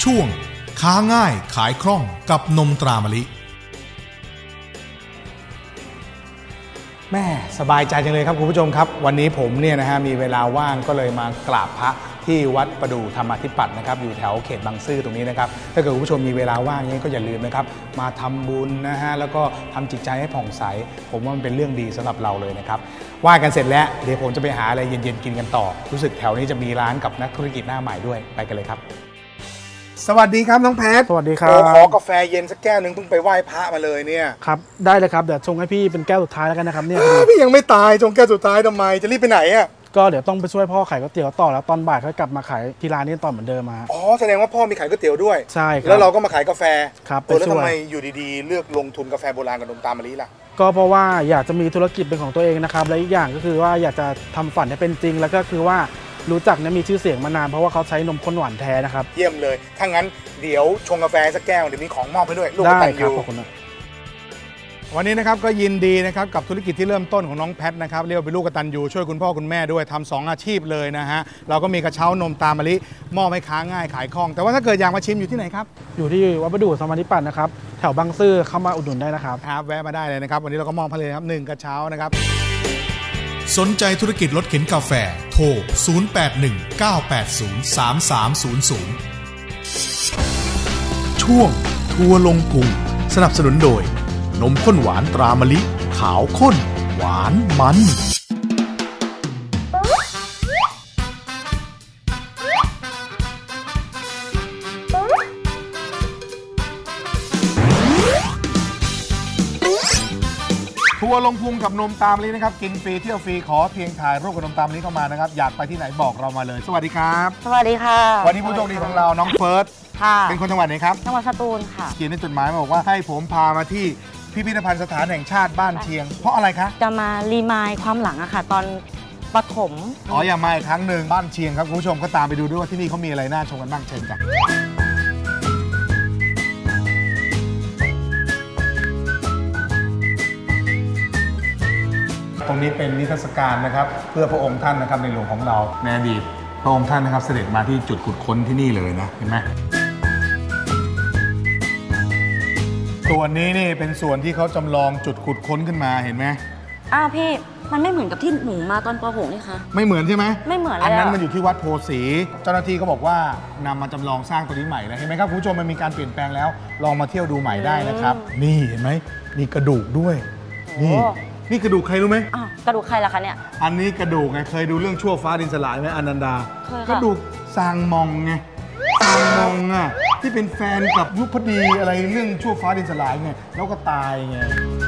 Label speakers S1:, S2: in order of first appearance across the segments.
S1: ช่วงค้าง่ายขายคล่องกับนมตรามะลิ
S2: แม่สบายใจจังเลยครับคุณผู้ชมครับวันนี้ผมเนี่ยนะฮะมีเวลาว่างก็เลยมากราบพระที่วัดประดู่ธรรมาธิปัตย์นะครับอยู่แถวเขตบางซื่อตรงนี้นะครับถ้าเกิดคุณผู้ชมมีเวลาว่างนี้ก็อย่าลืมนะครับมาทำบุญนะฮะแล้วก็ทำจิตใจให้ผ่องใสผมว่ามันเป็นเรื่องดีสำหรับเราเลยนะครับว่ากันเสร็จแล้วเดี๋ยวผมจะไปหาอะไรเย็นๆกินกันต่อรู้สึกแถวนี้จะมีร้านกับนักธุรกิจหน้าใหม่ด้วยไปกันเลยครับสวัสดีครับน้องแพท
S3: สวัสดีครับ
S2: ขอกาแฟเย็นสักแก้วนึงเพิ่งไปไหว้พระมาเลยเนี่ย
S3: ครับได้เลยครับเดี๋ยวชงให้พี่เป็นแก้วสุดท้ายแล้วกันนะครับเนี่ย
S2: พี่ยังไม่ตายชงแก้วสุดท้ายทำไมจะรีบไปไหนอ่ะ
S3: ก็เดี๋ยวต้องไปช่วยพ่อขายก๋วยเตี๋ยวต่อแล้วตอนบ่ายค่อยกลับมาขายที่ร้านนี้ตอนเหมือนเดิมมา
S2: อ๋อแสดงว่าพ่อมีขายก๋วยเตี๋ยวด้วย
S3: ใช่ครับ
S2: แล้วเราก็มาขายกาแฟ
S3: ครับ
S2: แล้วทำไมอยู่ดีๆเลือกลงทุนกาแฟโบราณกับนมตาลมะลิล่ะ
S3: ก็เพราะว่าอยากจะมีธุรกิจเป็นของตัวเองนะครับและอีกอย่างก็คือว่าอยากจะทำฝันให้เป็นจริงแล้วก็คือว่ารู้จักเนี่ยมีชื่อเสียงมานานเพราะว่าเขาใช้นมข้นหวานแท้นะครับ
S2: เยี่ยมเลยถ้างั้นเดี๋ยวชงกาแฟสักแก้วเดี๋ยวมีของมอบให้ด้วยลูก
S3: ได้ครับขอบคุณ
S2: วันนี้นะครับก็ยินดีนะครับกับธุรกิจที่เริ่มต้นของน้องแพทนะครับเรียกว่าเป็นลูกกตัญญูช่วยคุณพ่อคุณแม่ด้วยทำ2อาชีพเลยนะฮะเราก็มีกระเช้านมตามะลิมอบให้ค้าง่ายขายคล่องแต่ว่าถ้าเกิดอยากมาชิมอยู่ที่ไหนครับ
S3: อยู่ที่วัดประดู่ธรรมาธิปัตย์นะครับแถวบางซื่อเข้ามาอุดหนุนได้นะครับ
S2: ครับแวะมาได้เลยนะครับวันนี้เราก็มอบให้เลยครับ1กระเช้านะครับ
S1: สนใจธุรกิจรถเข็นกาแฟโทร0819803300ช่วงทัวร์ลงพุงสนับสนุนโดยนมข้นหวานตรามะลิขาวข้นหวานมัน
S2: ทัวร์ลงพุงกับนมตามะลินะครับกินฟรีเที่ยวฟรีขอเพียงถ่ายรูปกับนมตามะลิเข้ามานะครับอยากไปที่ไหนบอกเรามาเลยสวัสดีครับ
S4: สวัสดีค่ะ
S2: วันนี้ผู้โชคดีของเราน้องเฟิร์สเป็นคนจังหวัดไหนครับ
S4: จังหวัดสตูลค่ะ
S2: เขียนในจดหมายมาบอกว่าให้ผมพามาที่พิพิธภัณฑ์สถานแห่งชาติบ้านเชียงเพราะอะไรคะ
S4: จะมารีมายความหลังอะค่ะตอนปฐม
S2: อย่ามาอีกครั้งหนึ่งบ้านเชียงครับคุณผู้ชมก็ตามไปดูด้วยว่าที่นี่เขามีอะไรน่าชมกันบ้างเชิญจ้ะตรงนี้เป็นนิทรรศการนะครับเพื่อพระองค์ท่านนะครับในหลวงของเราในอดีตพระองค์ท่านนะครับเสด็จมาที่จุดขุดค้นที่นี่เลยนะเห็นไหมส่วนนี้นี่เป็นส่วนที่เขาจำลองจุดขุดค้นขึ้นมาเห็นไหม
S4: อ้าวพี่มันไม่เหมือนกับที่หนูมาตอนป .6 นี่คะ
S2: ไม่เหมือนใช่ไหม
S4: ไม่เหมือน
S2: อันนั้นมันอยู่ที่วัดโพสีเจ้าหน้าที่ก็บอกว่านำมาจำลองสร้างตัวนี้ใหม่แล้วเห็นไหมครับคุณผู้ชมมันมีการเปลี่ยนแปลงแล้วลองมาเที่ยวดูใหม่ได้นะครับนี่เห็นไหมมีกระดูกด้วยนี่กระดูกใครรู้ไหม
S4: กระดูกใครล่ะคะเนี่ย
S2: อันนี้กระดูกไงเคยดูเรื่องชั่วฟ้าดินสลายไหมอนันดากระดูกซางมองไงซางมองอ่ะที่เป็นแฟนกับยุพดีอะไรเรื่องชั่วฟ้าดินสลายไงแล้วก็ตายไง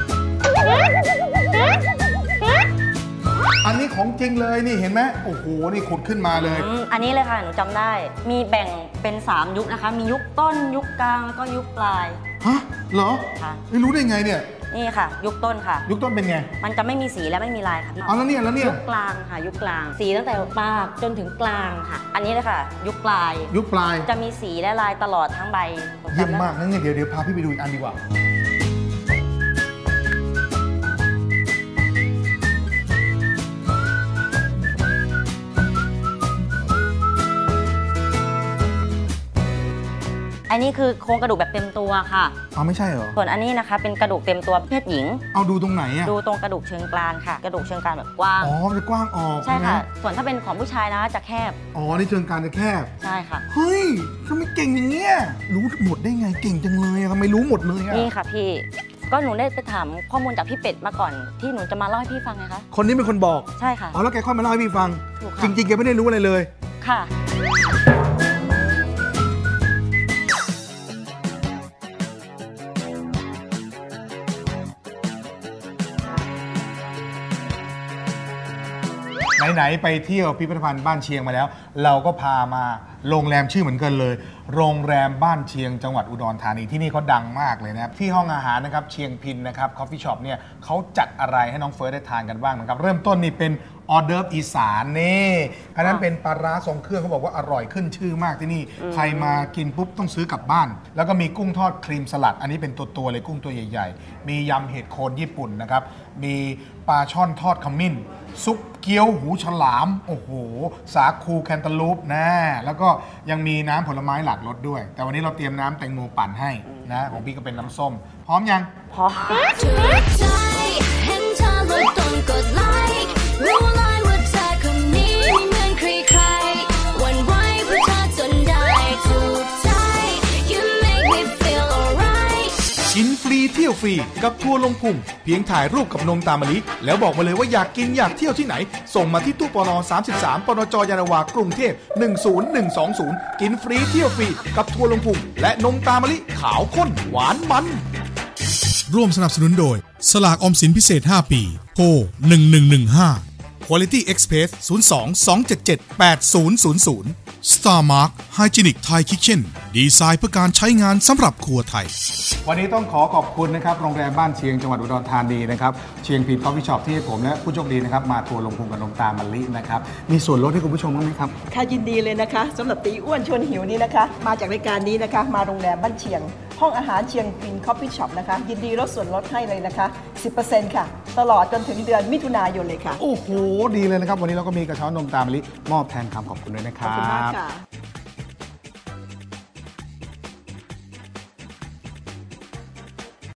S2: อันนี้ของจริงเลยนี่เห็นไหมโอ้โหนี่ขุดขึ้นมาเลย
S4: อันนี้เลยค่ะหนูจำได้มีแบ่งเป็น3ยุคนะคะมียุคต้นยุคกลางแล้วก็ยุคปลาย
S2: ฮะเหรอค่ะไม่รู้ได้ไงเนี่ย
S4: นี่ค่ะยุคต้นค่ะ
S2: ยุคต้นเป็นไง
S4: มันจะไม่มีสีและไม่มีลายค่ะ
S2: แล้วเนี่ย
S4: ยุคกลางค่ะยุคกลางสีตั้งแต่ปากจนถึงกลางค่ะอันนี้เลยค่ะยุคปลายจะมีสีและลายตลอดทั้งใบ
S2: เยี่ยมมากงั้นเดี๋ยวพาพี่ไปดูอีกอันดีกว่า
S4: อันนี้คือโครงกระดูกแบบเต็มตัวค่ะ
S2: ไม่ใช่เหรอ
S4: ส่วนอันนี้นะคะเป็นกระดูกเต็มตัวเพศหญิง
S2: เอาดูตรงไหนอะ
S4: ดูตรงกระดูกเชิงกรานค่ะกระดูกเชิงกรานแบบกว้าง
S2: มันจะกว้างออก
S4: ใช่ค่ะส่วนถ้าเป็นของผู้ชายนะจะแคบ
S2: นี่เชิงกรานจะแคบ
S4: ใช่ค่ะ
S2: เฮ้ยทำไมเก่งอย่างเงี้ยรู้หมดได้ไงเก่งจังเลยทำไมรู้หมดเลย
S4: นี่ค่ะพี่ก็หนูได้ไปถามข้อมูลจากพี่เป็ดมาก่อนที่หนูจะมาเล่าให้พี่ฟังไงคะ
S2: คนนี้เป็นคนบอก
S4: ใช่ค่ะ
S2: แล้วแกค่อยมาเล่าให้พี่ฟังจริงๆแกไม่ได้รู้อะไรเลย
S4: ค่ะ
S2: ไหนๆไปเที่ยวพิพิธภัณฑ์บ้านเชียงมาแล้วเราก็พามาโรงแรมชื่อเหมือนกันเลยโรงแรมบ้านเชียงจังหวัดอุดรธานีที่นี่เขาดังมากเลยนะครับที่ห้องอาหารนะครับเชียงพินนะครับคอฟฟี่ช็อปเนี่ยเขาจัดอะไรให้น้องเฟิร์สได้ทานกันบ้างนะครับเริ่มต้นนี่เป็นออเดิร์ฟอีสานนี่อันนั้นเป็นปลาร้าทรงเครื่องเขาบอกว่าอร่อยขึ้นชื่อมากที่นี่ใครมากินปุ๊บต้องซื้อกลับบ้านแล้วก็มีกุ้งทอดครีมสลัดอันนี้เป็นตัวเลยกุ้งตัวใหญ่ๆมียำเห็ดโคนญี่ปุ่นนะครับมีปลาช่อนทอดขมิ้นซุปเกี๊ยวหูฉลามโอ้โหสาคูแคนตาลูปนะแล้วก็ยังมีน้ำผลไม้หลากรสด้วยแต่วันนี้เราเตรียมน้ำแตงโมปั่นให้นะของพี่ก็เป็นน้ำส้มพร้อมยัง
S4: พร้อม
S1: กินฟรีเที่ยวฟรีกับทัวร์ลงพุงเพียงถ่ายรูปกับนงตามมะลิแล้วบอกมาเลยว่าอยากกินอยากเที่ยวที่ไหนส่งมาที่ตู้ปน33ปนจยานนาวากรุงเทพ10120กินฟรีเที่ยวฟรีกับทัวร์ลงพุงและนงตามมะลิขาวข้นหวานมันร่วมสนับสนุนโดยสลากออมสินพิเศษ5ปีโทร1115 Quality Express 02-277-8000 Star Mark Hygienic Thai Kitchen ดีไซน์เพื่อการใช้งานสำหรับครัวไทย
S2: วันนี้ต้องขอบคุณนะครับโรงแรมบ้านเชียงจังหวัดอุดรธานีนะครับเชียงพีทคอฟฟี่ช็อปที่ให้ผมและผู้โชคดีนะครับมาทัวร์ลงพุงกับนงตามมะลินะครับมีส่วนลดให้คุณผู้ชมบ้างไหมครับ
S5: ค่ะยินดีเลยนะคะสำหรับตีอ้วนชวนหิวนี้นะคะมาจากรายการนี้นะคะมาโรงแรมบ้านเชียงห้องอาหารเชียงพีทคอฟฟี่ช็อปนะคะยินดีลดส่วนลดให้เลยนะคะ 10% ค่ะตลอดจนถึงเดือนมิถุนายนเลยค่ะ
S2: โอ้โหดีเลยนะครับวันนี้เราก็มีกระเช้านมตามมะลิมอบแทนคำขอบคุณด้วยนะครับ
S5: ขอบคุณมากค่ะ